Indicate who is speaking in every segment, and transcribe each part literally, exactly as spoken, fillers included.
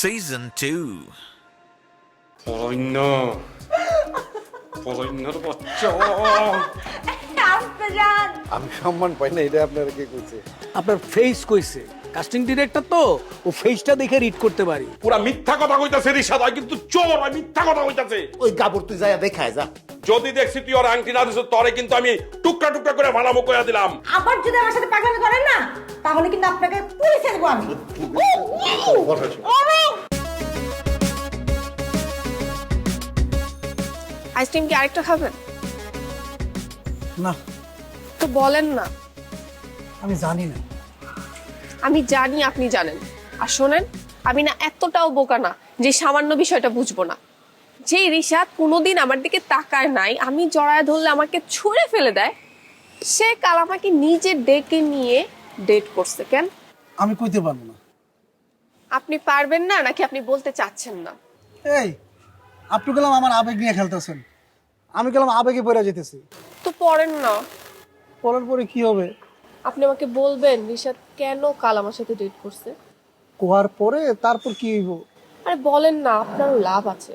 Speaker 1: Season two.
Speaker 2: পলাইন পলাইনার বাচ্চা
Speaker 3: আমি সম্মান পাই না, এটা আপনারা কে কইছে?
Speaker 4: আপনার ফেস কইছে, কাস্টিং ডিরেক্টর তো, ও ফেসটা দেখে রিড করতে পারি।
Speaker 2: পুরা মিথ্যা কথা কইতাছে রিশাদ, হয় কিন্তু চোর, হয় মিথ্যা কথা কইতাছে।
Speaker 3: ওই গাবর তুই যায়া দেখায় যা।
Speaker 2: যদি দেখছি তুই ওর আংটি না দিছ, তরে কিন্তু আমি টুকরা টুকরা করে ভাড়ামো কইয়া দিলাম।
Speaker 5: আবার যদি আমার সাথে পাগলামি করেন না, তাহলে কিন্তু আপনাকে পুলিশে দেবো আমি।
Speaker 6: আইসক্রিম কি আরেকটা খাবেন?
Speaker 4: না,
Speaker 6: তো বলেন না।
Speaker 4: আমি জানি না।
Speaker 6: আমি জানি আপনি জানেন। আর শোনেন, আমি না এতটাও বোকা না যে সামান্য বিষয়টা বুঝবো না। যে রিশাদ কোনোদিন আমার দিকে তাকায় নাই, আমি জড়ায় ধরলে আমাকে ছুঁড়ে ফেলে দেয়, সে কাল আমাকে নিজে ডেকে নিয়ে ডেট করছে। কেন?
Speaker 4: আমি কইতে পারবো না।
Speaker 6: আপনি পারবেন না নাকি আপনি বলতে চাচ্ছেন না?
Speaker 4: এই, আপনি গেলাম আমার আবেগ নিয়ে খেলতেছেন, আমি গেলাম আবেগে পড়ে যেতেছি।
Speaker 6: তো পড়েন না।
Speaker 4: পরের পরে কি হবে?
Speaker 6: আপনি আমাকে বলবেন রিশাদ কেন কাল আমার সাথে ডেট করছে?
Speaker 4: কোয়ার পরে তারপর কি হইব?
Speaker 6: আরে বলেন না, আপনারও লাভ আছে।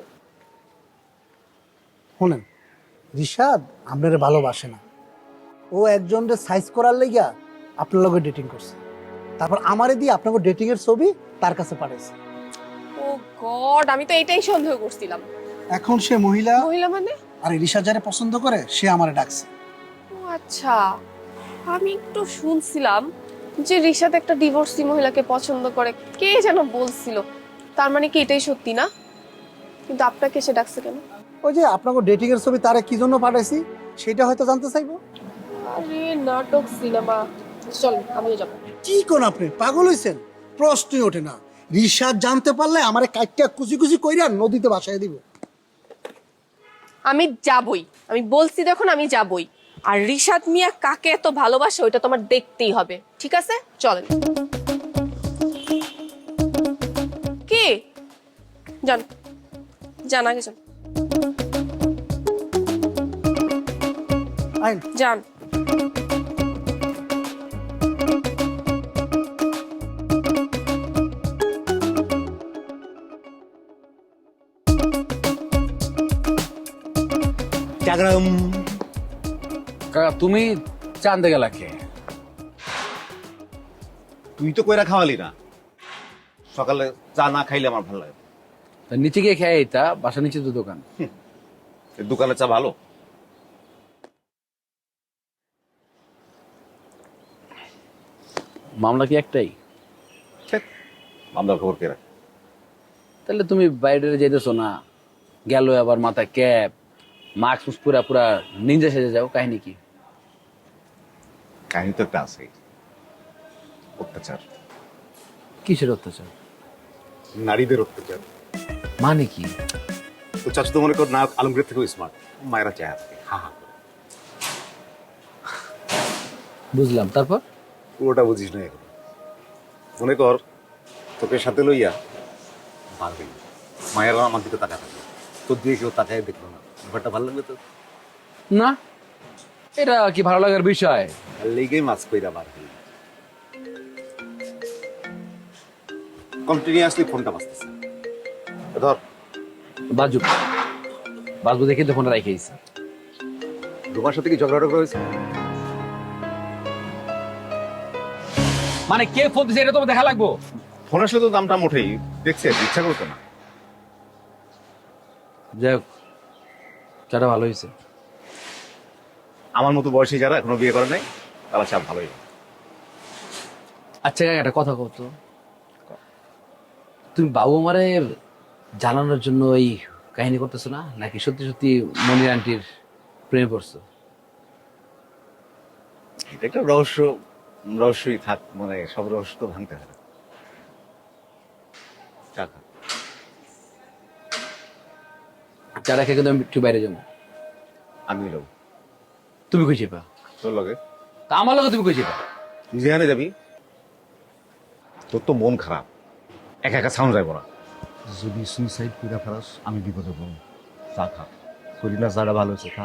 Speaker 4: শুনেন, রিশাদ আপনারে ভালোবাসে না, ও একজনরে সাইজ করার লাইগা আপনার লগে ডেটিং করছে, তারপর আমারে দিয়ে আপনাকে ডেটিং এর ছবি তার কাছে পাঠাইছে।
Speaker 6: ও গড, আমি তো এটাই সন্দেহ করছিলাম।
Speaker 4: এখন সে মহিলা,
Speaker 6: মহিলা মানে?
Speaker 4: আর রিশাদ যারে পছন্দ করে সে আমারে ডাকছে।
Speaker 6: ও আচ্ছা, আমি একটু শুনছিলাম যে রিশাদ একটা ডিভোর্সি মহিলাকে পছন্দ করে, কে যেন বলছিল। তার মানে কি এটাই সত্যি না? কিন্তু আপনাকে সে ডাকছে কেন?
Speaker 4: ওই যে আপনাকে ডেটিং এর ছবি তারে কি জন্য পাঠাইছি সেটা হয়তো জানতে চাইবো।
Speaker 6: আরে নাটক সিনেমা, চল আমিও যাবো।
Speaker 4: কি কোন আপনি পাগল হইছেন? প্রশ্নই ওঠে না। রিশাদ জানতে পারলে আমারে কাইটটা কুচি কুচি কইরা নদীতে ভাসায় দিব।
Speaker 6: আমি যাবই, আমি বলছি দেখুন আমি যাবই। আর রিশাদ মিয়া কাকে এত ভালোবাসে ওইটা তোমার দেখতেই হবে, ঠিক আছে? চলেন। কি যান যান আগে যান
Speaker 4: আইন
Speaker 6: যান।
Speaker 7: কাকা তুমি চান্দে গেলা কে?
Speaker 3: তুই তো কইরা খাওয়ালি না, সকালে চা না খাইলে আমার ভালো লাগে।
Speaker 7: তা নিচে গিয়ে খেয়ে এটা বাসা নিচে তো দোকান।
Speaker 3: এই দোকানে চা ভালো?
Speaker 7: মামলা কি একটাই?
Speaker 3: মামলার খবর কে রাখে?
Speaker 7: তাহলে তুমি বাইরে যেতেছো না, গেল আবার মাথায় ক্যাপ, মাস্ক পুরা পুরা নিঞ্জা সেজে যাও, কাহিনী কি?
Speaker 3: কাহিনী তো একটা আছে, অত্যাচার,
Speaker 7: কিসের অত্যাচার?
Speaker 3: নারীদের অত্যাচার।
Speaker 7: মানে কি?
Speaker 3: তো চাচু তো মনে কর নায়ক আলমগীর থেকেও স্মার্ট, মায়েরা চায় আজকে হা হা করে।
Speaker 7: বুঝলাম, তারপর?
Speaker 3: পুরোটা বুঝিস না এখন। মনে কর তোকে সাথে লইয়া পারবি, মায়েরা আমার দিকে তাকা থাকবে, তোর দিয়ে কেউ তাকায় দেখলো না, ব্যাপারটা ভালো লাগবে তো?
Speaker 7: না, এটা কি ভালো লাগার বিষয়?
Speaker 3: লেগেই মাছ কইরা বার হইল। কন্টিনিউয়াসলি ফোনটা বাজতেছে, ধর।
Speaker 7: বাজুক, বাজবু দেখে তো ফোনটা রাখিয়েছি।
Speaker 3: রুমার সাথে কি ঝগড়া টগড়া হয়েছে?
Speaker 7: মানে কে ফোন দিছে এটা তো দেখা লাগবো।
Speaker 3: ফোন আসলে তো দামটা মোটেই দেখছে, ইচ্ছা করতো না।
Speaker 7: যাই হোক, চাটা ভালো হয়েছে।
Speaker 3: আমার মতো বয়সী যারা এখনো বিয়ে করে নাই তারা চা ভালোই।
Speaker 7: আচ্ছা কাকা, একটা কথা কত, তুমি বাবু মারে জানানোর জন্য এই কাহিনী করতেছো না, নাকি সত্যি সত্যি মনির আন্টির প্রেমে পড়ছো?
Speaker 3: এটা একটা রহস্য, রহস্যই থাক, মানে সব রহস্য তো ভাঙতে হয়। চা খা।
Speaker 7: চা রাখে কিন্তু আমি একটু বাইরে যাবো।
Speaker 3: আমি যাবো।
Speaker 7: তুমি কই যাবা?
Speaker 3: তোর লগে?
Speaker 7: তা আমার লগে তুমি কই যাবা?
Speaker 3: তুই যেখানে যাবি। তোর তো মন খারাপ, একা একা সাউন্ড যাইব না। যদি সুইসাইড করে ফেলাস আমি বিপদে পড়ব। চা খা, শরীর না চাটা ভালো হয়েছে, খা।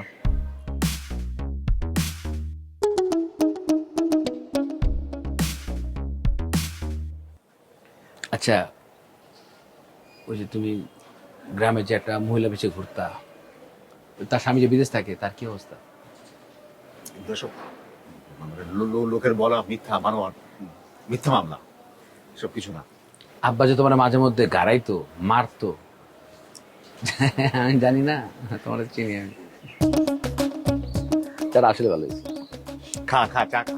Speaker 7: আচ্ছা ওই যে তুমি গ্রামে যে একটা মহিলা বেশি ঘুরতা, তার স্বামী যে বিদেশ থাকে, তার কি অবস্থা?
Speaker 3: কিন্তু এসব মানে লো- লো- লোকের বলা মিথ্যা মানোয়ার, মিথ্যা মামলা, সব কিছু না।
Speaker 7: আব্বা যে তোমার মাঝে মধ্যে গাড়াইতো, মারতো, আমি জানি না, তোমার চিনি আমি। তারা আসলে ভালো হয়েছে।
Speaker 3: খা খা চা খা।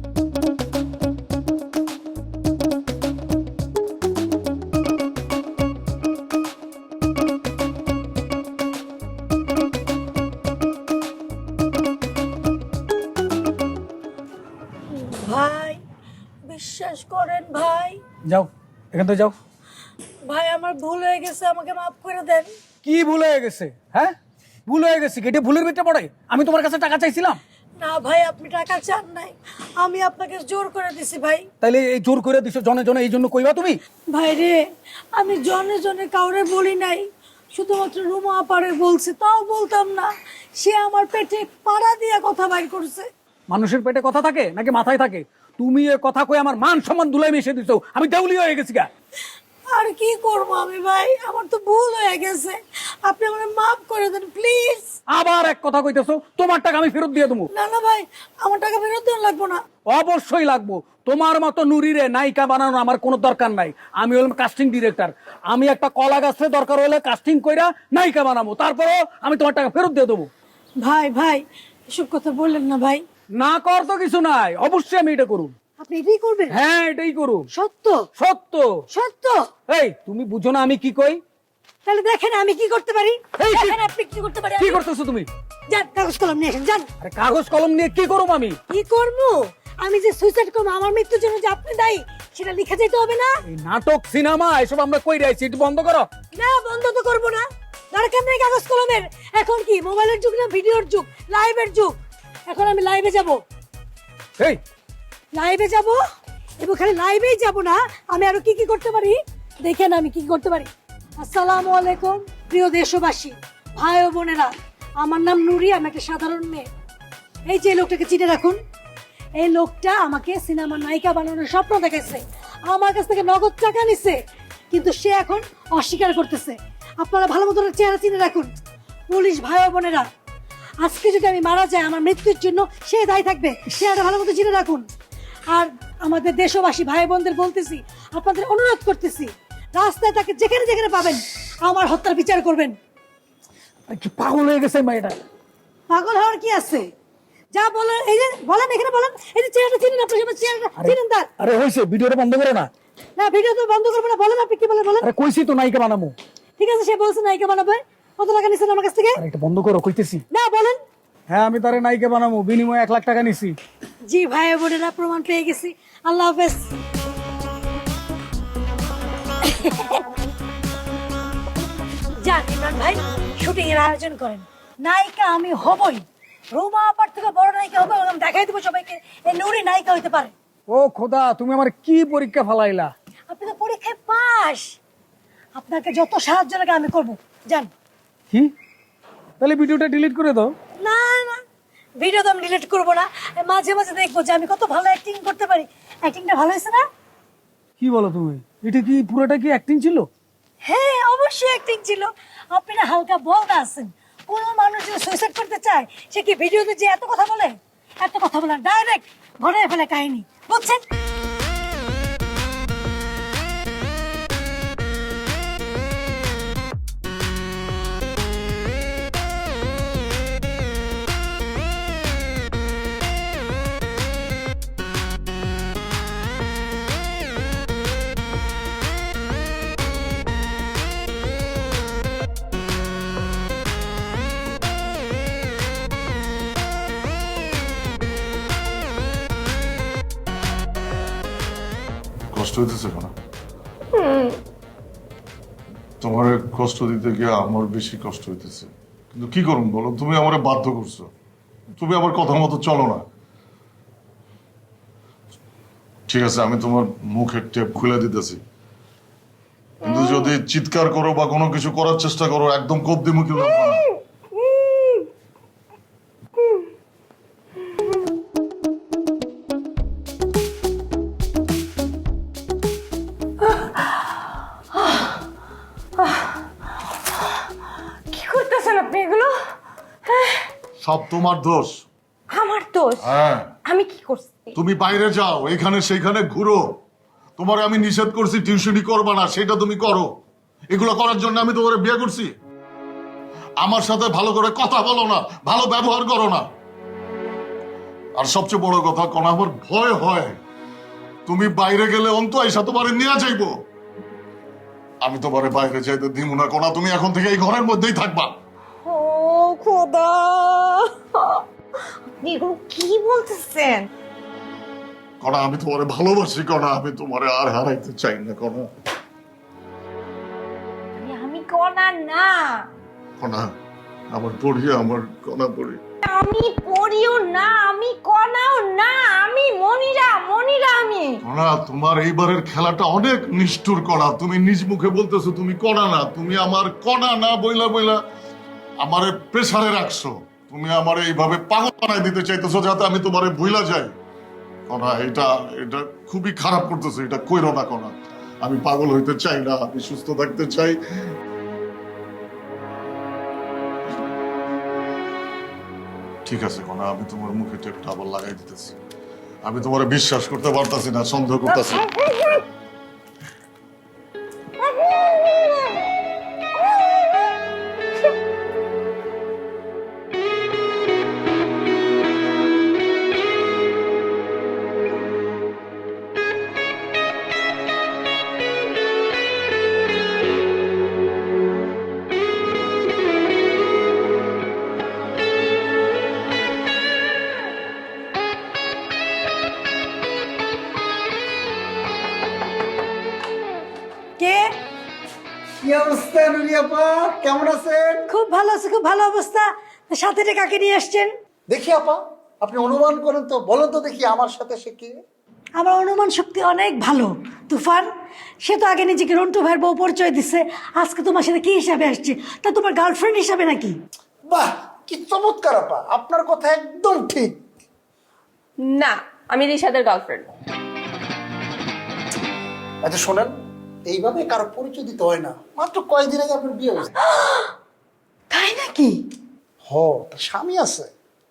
Speaker 5: ভাই বিশ্বাস করেন ভাই,
Speaker 1: যাও এখান থেকে যাও।
Speaker 5: ভাই আমার ভুল হয়ে গেছে, আমাকে মাফ করে দেন।
Speaker 1: কি ভুল হয়ে গেছে? হ্যাঁ, ভুল হয়ে গেছে, এটা ভুলের ভিতরে পড়ে? আমি তোমার কাছে টাকা চাইছিলাম?
Speaker 5: না ভাই, আপনি টাকা চান নাই, আমি আপনাকে জোর করে দিছি ভাই।
Speaker 1: তাইলে এই জোর করে দিছো জনে জনে, এই জন্য কইবা তুমি?
Speaker 5: ভাই রে, আমি জনে জনে কাউরে বলি নাই, শুধুমাত্র রুমা আপারে বলছি, তাও বলতাম না, সে আমার পেটে পাড়া দিয়ে কথা বাইর করছে।
Speaker 1: মানুষের পেটে কথা থাকে নাকি মাথায় থাকে? তুমি এ কথা কই আমার মান সম্মান ধুলাই মিশে দিছো, আমি দেউলি হয়ে গেছি গা।
Speaker 5: আর কি করবো আমি ভাই, আমার তো ভুল হয়ে গেছে, আপনি আমার মাফ করে দেন প্লিজ।
Speaker 1: আবার এক কথা কইতেছো, তোমার টাকা আমি ফেরত দিয়ে দেবো।
Speaker 5: না না ভাই, আমার টাকা ফেরত দেওয়া লাগবো না।
Speaker 1: অবশ্যই লাগবো। তোমার মতো নুরিরে নায়িকা বানানো আমার কোনো দরকার নাই। আমি হলাম কাস্টিং ডিরেক্টর, আমি একটা কলা গাছে দরকার হলে কাস্টিং কইরা নায়িকা বানাবো, তারপরেও আমি তোমার টাকা ফেরত দিয়ে দেবো।
Speaker 5: ভাই ভাই এসব কথা বললেন না ভাই।
Speaker 1: না কর তো কিছু নাই, অবশ্যই আমি এটা করুম।
Speaker 5: আপনি এটাই করবেন?
Speaker 1: হ্যাঁ, এটাই করুম।
Speaker 5: সত্য
Speaker 1: সত্য।
Speaker 5: সত্য?
Speaker 1: এই তুমি বুঝো না আমি কি কই?
Speaker 5: তাহলে দেখেন আমি কি করতে পারি,
Speaker 1: এই কি-
Speaker 5: দেখেন আপনি কি করতে পারি।
Speaker 1: কি করতেছো তুমি?
Speaker 5: যান কাগজ কলম নিয়ে আসেন, যান।
Speaker 1: আরে কাগজ কলম নিয়ে কি করব আমি?
Speaker 5: কি করবো? আমি যে সুইসাইড করবো, আমার মৃত্যুর জন্য যে আপনি দায়ী, সেটা লিখে যেতে হবে না?
Speaker 1: এই নাটক সিনেমা এসব আমরা কই রাইছি, একটু বন্ধ করো।
Speaker 5: না, বন্ধ তো করবো না, দরকার নেই কাগজ কলমের। এখন কি মোবাইলের যুগ না ভিডিওর যুগ, লাইভের যুগ। এখন আমি লাইভে যাব,
Speaker 1: এই
Speaker 5: লাইভে যাব, এবং খালি লাইভেই যাব না, আমি আরো কি কি করতে পারি দেখেন আমি কি কি করতে পারি। আসসালামু আলাইকুম প্রিয় দেশবাসী, ভাই ও বোনেরা, আমার নাম নুরি, আমি একটা সাধারণ মেয়ে। এই যে লোকটাকে চিনে রাখুন, এই লোকটা আমাকে সিনেমার নায়িকা বানানোর স্বপ্ন দেখাইছে, আমার কাছ থেকে নগদ টাকা নিছে, কিন্তু সে এখন অস্বীকার করতেছে। আপনারা ভালো মতো ওর চেহারা চিনে রাখুন। পুলিশ ভাই ও বোনেরা, আজকে যদি আমি মারা যাই, আমার মৃত্যুর জন্য সে দায়ী থাকবে, চেহারা ভালো মতো চিনে রাখুন। আর আমাদের দেশবাসী ভাই বোনদের বলতেছি, আপনাদের অনুরোধ করতেছি, রাস্তায় তাকে যেখানে যেখানে পাবেন আমার হত্যার বিচার করবেন।
Speaker 1: আরে কি পাগল হয়ে গেছে মেয়েটা?
Speaker 5: পাগল হওয়ার কি আছে? যা বলেন, এই যে বলেন, এখানে বলেন, এই যে চেহারাটা চিনেন, আপনার সবাই চেহারাটা চিনেন তার।
Speaker 1: আরে হইছে, ভিডিওটা বন্ধ করো না।
Speaker 5: না, ভিডিও তো বন্ধ করবো না, বলেন আপনি কি বলেন, বলেন।
Speaker 1: আরে কইছি তো নায়িকা বানামু।
Speaker 5: ঠিক আছে, সে বলছে নায়িকা বানাবে, কত টাকা নিছেন আমার কাছ থেকে?
Speaker 1: আরে এটা বন্ধ করো কইতেছি।
Speaker 5: না, বলেন।
Speaker 1: হ্যাঁ, আমি তারে নায়িকা বানামু, বিনিময়ে এক লাখ টাকা নিছি।
Speaker 5: জি ভাই বোনেরা, প্রমাণ পেয়ে গেছি। আল্লাহ হাফেজ। যান ইমরান ভাই, শুটিং এর আয়োজন করেন, নায়িকা আমি হবই, রুমা আপার থেকে বড় নায়িকা হবে, আমি দেখাই দেবো সবাইকে এই নুরি নায়িকা হইতে পারে।
Speaker 1: ও খোদা, তুমি আমার কি পরীক্ষা ফালাইলা?
Speaker 5: আপনি তো পরীক্ষায় পাস, আপনাকে যত সাহায্য লাগে আমি করবো, যান।
Speaker 1: কি? তাহলে ভিডিওটা ডিলিট করে দাও।
Speaker 5: না না, ভিডিও তো আমি ডিলিট করবো না, মাঝে মাঝে দেখবো যে আমি কত ভালো অ্যাক্টিং করতে পারি। অ্যাক্টিংটা ভালো হয়েছে না?
Speaker 1: কি বলো তুমি? এটা কি পুরোটা কি অ্যাক্টিং ছিল?
Speaker 5: হ্যাঁ অবশ্যই অ্যাক্টিং ছিল। আপনি না হালকা বলদা আছেন, কোনো মানুষ যদি সুইসাইড করতে চায় সে কি ভিডিওতে যে এত কথা বলে? এত কথা বলে ডাইরেক্ট ঘটায় ফেলে কাহিনী, বুঝছেন?
Speaker 8: কষ্ট হইতেছে কেন? তোমার কষ্ট দিতে গিয়ে আমার বেশি কষ্ট হইতেছে, কিন্তু কি করুন বলো, তুমি আমারে বাধ্য করছো, তুমি আমার কথা মতো চলো না। ঠিক আছে, আমি তোমার মুখের টেপ খুলে দিতেছি, কিন্তু যদি চিৎকার করো বা কোনো কিছু করার চেষ্টা করো, একদম কদ্দি মুখে লাগবে না। সব তোমার দোষ।
Speaker 9: আমার দোষ?
Speaker 8: হ্যাঁ,
Speaker 9: আমি কি করছি?
Speaker 8: তুমি বাইরে যাও, এখানে সেইখানে ঘুরো, তোমার আমি নিষেধ করছি টিউশনি করবা না, সেটা তুমি করো। এগুলো করার জন্য আমি তোমার বিয়ে করছি? আমার সাথে ভালো করে কথা বলো না, ভালো ব্যবহার করো না। আর সবচেয়ে বড় কথা, কোন আমার ভয় হয় তুমি বাইরে গেলে অন্ত আইসা তোমার নিয়ে যাইবো। আমি তোমার বাইরে যাইতে দিব না কোনা, তুমি এখন থেকে এই ঘরের মধ্যেই থাকবা।
Speaker 9: ও খোদা, আপনি এগুলো কি বলতেছেন?
Speaker 8: কোনা আমি তোমারে ভালোবাসি, কোনা আমি তোমারে আর হারাইতে চাই না। কোনা
Speaker 9: আমি কনা না,
Speaker 8: কোনা আমার পড়ি, আমার কোনা পড়ি।
Speaker 9: আমি পড়িও না, আমি কনাও না, আমি মনিরা, মনিরা আমি।
Speaker 8: কোনা তোমার এইবারের খেলাটা অনেক নিষ্ঠুর। কোনা তুমি নিজ মুখে বলতেছো তুমি কোনা না, তুমি আমার কোনা না বইলা বইলা আমারে প্রেসারে রাখছো। তুমি আমার এইভাবে পাগল বানাই দিতে চাইতেছো যাতে আমি তোমারে ভুলা যাই। কোনা এটা এটা খুবই খারাপ করতেছো, এটা কইরো না। কোনা আমি পাগল হইতে চাই না, আমি সুস্থ থাকতে চাই। ঠিক আছে কোনা, আমি তোমার মুখে টেপটা আবার লাগাই দিতেছি। আমি তোমার বিশ্বাস করতে পারতাছি না, সন্দেহ করতেছি।
Speaker 5: কে?
Speaker 4: কি অবস্থা নুরিয়াপা, কেমন আছেন?
Speaker 5: খুব ভালো আছে, খুব ভালো অবস্থা। তা সাথে এটা কাকে নিয়ে আসছেন?
Speaker 4: দেখি আপা, আপনি অনুমান করেন তো, বলেন তো দেখি আমার সাথে সে কি।
Speaker 5: আমার অনুমান শক্তি অনেক ভালো। তুফান, সে তো আগে নিজেকে রন্টু ভাইয়ের বউ পরিচয় দিচ্ছে, আজকে তোমার সাথে কি হিসাবে আসছে? তা তোমার গার্লফ্রেন্ড হিসাবে নাকি?
Speaker 4: বাহ, কি চমৎকার আপা, আপনার কথা একদম ঠিক।
Speaker 6: না, আমি রিশাদের গার্লফ্রেন্ড।
Speaker 4: আচ্ছা শোনেন, এইভাবে কারো পরিচয় দিতে হয় না। মাত্র কয়েকদিন আগে আপনার বিয়ে হয়েছে।
Speaker 5: তাই নাকি?
Speaker 4: হ, তার স্বামী আছে।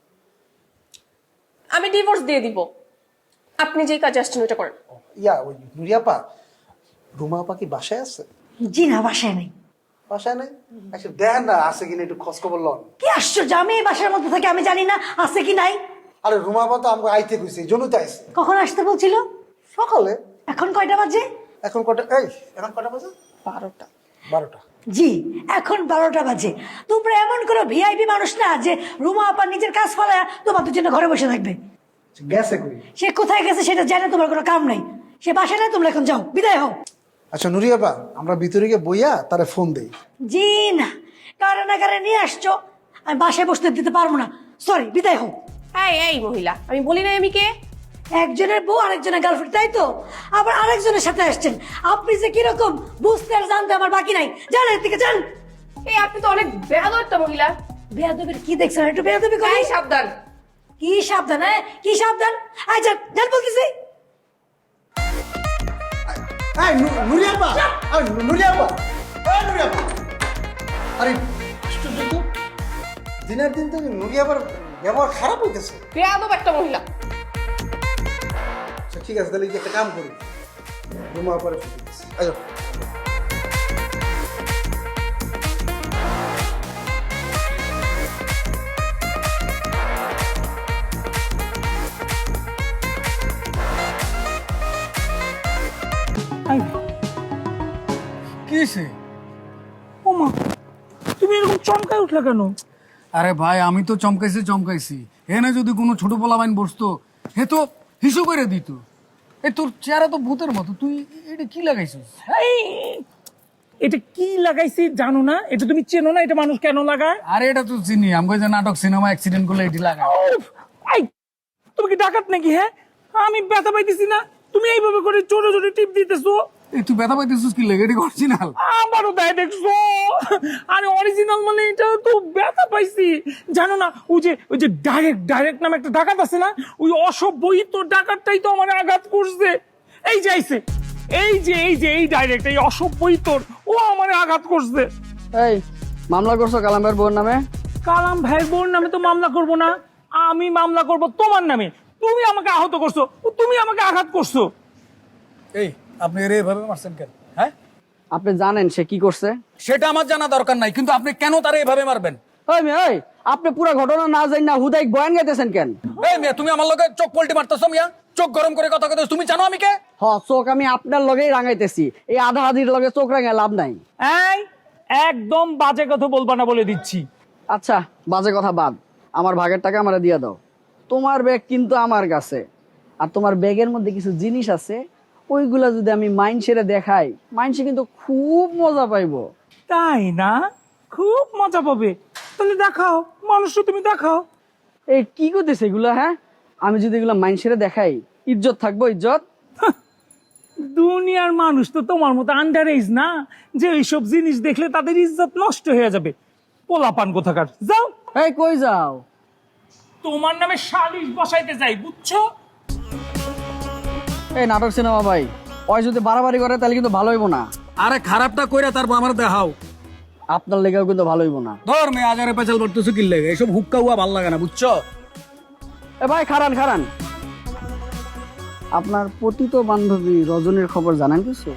Speaker 6: আমি ডিভোর্স দিয়ে দিব। আপনি যে কাজ আসছেন ওটা করেন।
Speaker 4: ইয়া ওই নুরিয়াপা, রুমা আপা কি বাসায় আছে?
Speaker 5: জি না, বাসায় নেই।
Speaker 4: বাসায় নেই? আচ্ছা দেখেন না আছে কিনা, একটু খোঁজ খবর লন।
Speaker 5: কি আশ্চর্য, আমি এই বাসার মধ্যে থাকি, আমি জানি না আছে কি নাই।
Speaker 4: আরে রুমা আপা তো আমাকে আইতে কইছে, এই জন্য তো আইছে।
Speaker 5: কখন আসতে বলছিল?
Speaker 4: সকালে।
Speaker 5: এখন কয়টা বাজে?
Speaker 4: এখন কটা? এই এখন কটা বাজে?
Speaker 6: বারোটা।
Speaker 4: বারোটা।
Speaker 5: জি, এখন বারোটা বাজে। তোমরা এমন কোনো ভিআইপি মানুষ না যে রুমা আপা নিজের কাজ ফেলায় তোমাদের জন্য ঘরে বসে থাকবে।
Speaker 4: গেছে কই?
Speaker 5: সে কোথায় গেছে সেটা জানে, তোমার কোনো কাম নাই। সে বাসায় নাই, তোমরা এখন যাও, বিদায় হও।
Speaker 4: আচ্ছা নুরিয়াপা, আমরা ভিতরে গিয়ে বইয়া তারে ফোন দেই।
Speaker 5: জি না, কারে না কারে নিয়ে আসছো, আমি বাসায় বসতে দিতে পারবো না। সরি, বিদায় হও।
Speaker 6: এই এই মহিলা, আমি বলি নাই আমি কে?
Speaker 5: একজনের বউ আরেকজনের গার্লফ্রেন্ড, তাই তো? আবার আরেকজনের সাথে আসছেন। আপনি যে কিরকম বুঝতে আর জানতে আমার বাকি নাই। যান এর থেকে, যান।
Speaker 6: এই আপনি তো অনেক বেয়াদব একটা মহিলা।
Speaker 5: বেয়াদবির কি দেখছেন? একটু বেয়াদবি করি।
Speaker 6: এই সাবধান।
Speaker 5: কি সাবধান? হ্যাঁ, কি সাবধান? আয় যান, যান বলতেছি।
Speaker 4: এই নু- নুরিয়াপা, আরে নু- নুরিয়াপা, এই নুরিয়াপা। আরে আশ্চর্য তো, দিনের দিন তো নুরিয়াপার ব্যবহার খারাপ হইতেছে।
Speaker 6: বেয়াদব একটা মহিলা।
Speaker 4: আচ্ছা ঠিক আছে, তাহলে এই যে একটা কাম করি, রুমা আপারে ফোন দিতেছি। আচ্ছা
Speaker 1: কি হয়েছে? ও মা, তুমি এরকম চমকায় উঠলে কেন? আরে ভাই, আমি তো চমকাইছি চমকাইছি এনে যদি কোনো ছোট পোলাবাইন বসতো, হে তো হিসু করে দিত। এই তোর চেহারা তো ভূতের মতো, তুই এটা কি লাগাইছিস?
Speaker 10: এটা কি লাগাইছি জানো না? এটা তুমি চেনো না? এটা মানুষ কেন লাগায়?
Speaker 1: আরে এটা তো চিনি, আমি যে নাটক সিনেমা অ্যাক্সিডেন্ট করলে এটি লাগায়।
Speaker 10: উফ, আই, তুমি কি ডাকাত নাকি? হ্যাঁ, আমি ব্যথা পাইতেছি না, তুমি এইভাবে করে চোরে চোরে টিপ দিতেছো।
Speaker 1: এই তুই ব্যথা পাইতেছিস কি লাগে? এটা অরিজিনাল।
Speaker 10: আমারও তাই দেখছো। আরে অরিজিনাল মানে এটা তো ব্যথা পাইছি। জানো না ওই যে ওই যে ডাইরেক্ট ডাইরেক্ট নামে একটা ডাকাত আছে না, ওই অসভ্যই তো ডাকাতটাই তো আমার আঘাত করছে। এই যে আইছে, এই যে এই যে এই ডাইরেক্ট এই অসভ্যই তোর ও আমার আঘাত করছে।
Speaker 11: এই মামলা করছো কালামের বউর নামে?
Speaker 10: কালাম ভাইয়ের বোন নামে তো মামলা করব না, আমি মামলা করব তোমার নামে। তুমি আমাকে আহত করছো, তুমি আমাকে আঘাত করছো।
Speaker 1: এই আপনি এর এভাবে মারছেন কেন? হ্যাঁ,
Speaker 11: আপনি জানেন সে কি করছে?
Speaker 1: সেটা আমার জানা দরকার নাই, কিন্তু আপনি কেন তারে এভাবে মারবেন?
Speaker 11: ওই মেয়ে, ওই আপনি পুরো ঘটনা না জানি না হুদাই বয়ান গাইতেছেন কেন?
Speaker 1: এই মিয়া, তুমি আমার লগে চোখ পল্টি মারতেছো মিয়া, চোখ গরম করে কথা কইতেছো। তুমি জানো আমি কে?
Speaker 11: হ, চোখ আমি আপনার লগেই রাঙাইতেছি, এই আধা আধির লগে চোখ রাঙায় লাভ নাই।
Speaker 10: এই একদম বাজে কথা বলবা না বলে দিচ্ছি।
Speaker 11: আচ্ছা, বাজে কথা বাদ, আমার ভাগের টাকা আমারে দিয়ে দাও। তোমার ব্যাগ কিন্তু আমার কাছে, আর তোমার ব্যাগের মধ্যে কিছু জিনিস আছে, ওইগুলা যদি আমি মাইনসেরে দেখাই, মাইনসে কিন্তু খুব মজা পাইবো।
Speaker 10: তাই না? খুব মজা পাবে। তাহলে দেখাও, মানুষ তুমি দেখাও।
Speaker 11: এই কি করতেছে এগুলো? হ্যাঁ, আমি যদি এগুলো মাইনসেরে দেখাই, ইজ্জত থাকবো? ইজ্জত?
Speaker 10: দুনিয়ার মানুষ তো তোমার মতো আন্ডার এজ না যে এইসব জিনিস দেখলে তাদের ইজ্জত নষ্ট হয়ে যাবে। পোলাপান কোথাকার, যাও।
Speaker 11: এই কই যাও?
Speaker 10: তোমার নামে সালিশ বসাইতে যাই, বুঝছো?
Speaker 11: এই নাটক সিনেমা ভাই, ওই যদি বাড়াবাড়ি করে তাহলে কিন্তু ভালো হইব না।
Speaker 1: আরে খারাপটা কইরা তারপর আমার দেখাও।
Speaker 11: আপনার লেগেও কিন্তু ভালো হইব না।
Speaker 1: ধর মেয়ে, আজারে পেঁচাল পড়তেছো কি লেগে? এসব হুক্কা হুয়া ভাল লাগে না, বুঝছো?
Speaker 11: এ ভাই, খারান খারান, আপনার পতিত বান্ধবী রজনীর খবর জানেন কিছু?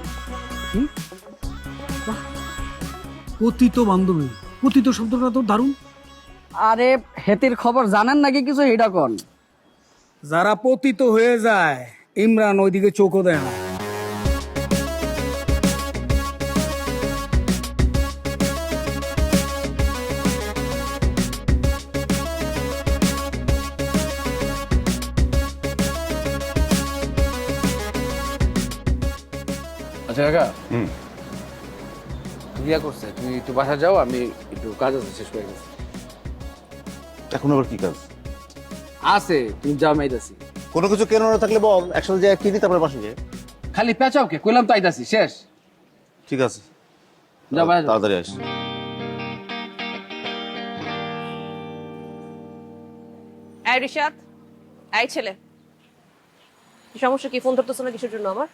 Speaker 1: পতিত বান্ধবী, পতিত শব্দটা তো দারুণ।
Speaker 11: আরে হেতির খবর জানেন নাকি কিছু, এটা কোন?
Speaker 1: যারা পতিত হয়ে যায়, ইমরান ওইদিকে চোখও দেয় না।
Speaker 7: আচ্ছা কাকা, বিয়া করছে, তুমি একটু বাসা যাও, আমি একটু কাজ আছে শেষ করে গেছি।
Speaker 3: এখন আবার কি কাজ?
Speaker 7: আছে, তুমি যাও, আমি আইতাছি।
Speaker 3: কোনো কিছু কেন না থাকলে বল, একসাথে যাই কিনি, তারপরে বাসে যাই।
Speaker 7: খালি পেঁচাও কে? কইলাম তো আইতাছি, শেষ।
Speaker 3: ঠিক আছে,
Speaker 7: যাও বাসা যাও।
Speaker 3: তাড়াতাড়ি আস।
Speaker 6: এই রিশাদ, এই ছেলে, কি সমস্যা? কি ফোন ধরতেছ না কিসের জন্য? আমার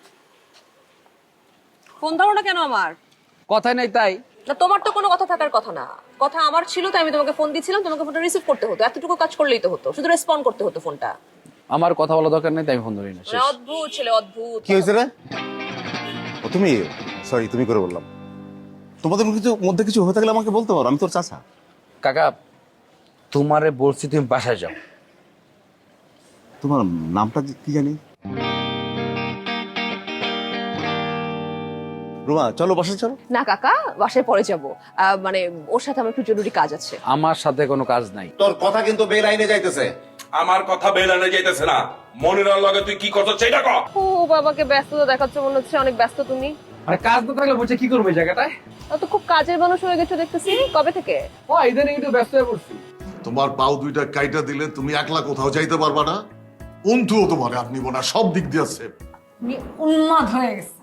Speaker 6: ফোন ধরো না কেন? আমার
Speaker 7: কথাই নাই তাই?
Speaker 6: না, তোমার তো কোনো কথা থাকার কথা না। কথা আমার ছিল, তাই আমি তোমাকে ফোন দিয়েছিলাম, তোমাকে ফোনটা রিসিভ করতে হতো, এতটুকু কাজ করলেই তো হতো, শুধু রেসপন্ড করতে হতো ফোনটা।
Speaker 7: আমার কথা বলা দরকার নেই, তাই আমি ফোন ধরি না, শেষ।
Speaker 6: মানে অদ্ভুত ছেলে, অদ্ভুত।
Speaker 3: কি হয়েছে রে? ও তুমি, সরি তুমি করে বললাম। তোমাদের কিছু মধ্যে কিছু হয়ে থাকলে আমাকে বলতে পারো, আমি তোর চাচা।
Speaker 7: কাকা, তোমারে বলছি তুমি বাসায় যাও।
Speaker 3: তোমার নামটা কি জানি? রুমা, চলো বাসায় চলো।
Speaker 6: না কাকা, বাসায় পরে যাবো। আহ, মানে ওর সাথে আমার একটু জরুরি কাজ আছে।
Speaker 7: আমার সাথে কোনো কাজ নাই।
Speaker 3: তোর কথা কিন্তু বেলাইনে যাইতেছে।
Speaker 2: আমার কথা বেলানে যাইতেছে না। মনিরার লগে তুই কি করছিস সেটা কর।
Speaker 6: ও বাবাকে ব্যস্ততা দেখাচ্ছ, মনে হচ্ছে অনেক ব্যস্ত তুমি।
Speaker 7: আরে কাজ না থাকলে বলছে কি করবে জায়গাটায়?
Speaker 6: তো খুব কাজের মানুষ হয়ে গেছো দেখতেছি, কবে থেকে?
Speaker 7: ও ইদানিং একটু ব্যস্ত হয়ে পড়ছি।
Speaker 8: তোমার পাও দুইটা কাইটা দিলে তুমি একলা কোথাও যাইতে পারবা না। অন্তুও তোমার আর নিব না, সব দিক দিয়ে আছে।
Speaker 5: উন্মাদ হয়ে গেছে।